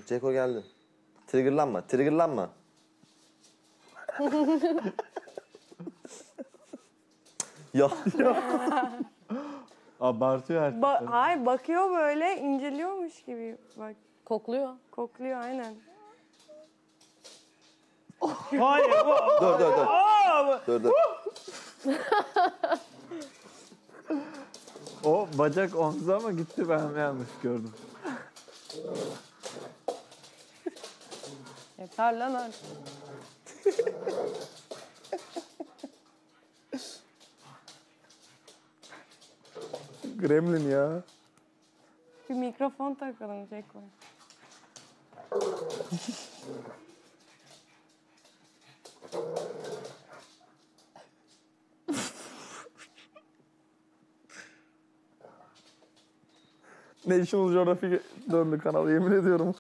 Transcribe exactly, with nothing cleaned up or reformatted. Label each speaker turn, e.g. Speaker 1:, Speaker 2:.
Speaker 1: Ceko geldi. Triggerlanma, triggerlanma. Ya.
Speaker 2: Abartıyor her
Speaker 3: Ba
Speaker 2: seferinde.
Speaker 3: hayır, bakıyor böyle, inceliyormuş gibi. Bak,
Speaker 4: Kokluyor.
Speaker 3: kokluyor aynen.
Speaker 2: Hayır bu.
Speaker 1: Dur dur dur. Dur dur.
Speaker 2: O bacak omza ama gitti, ben yanlış gördüm.
Speaker 3: Yeter lan artık.
Speaker 5: Gremlin ya.
Speaker 3: Bir mikrofon takalım Ceko.
Speaker 5: National Geographic döndü kanal, yemin ediyorum.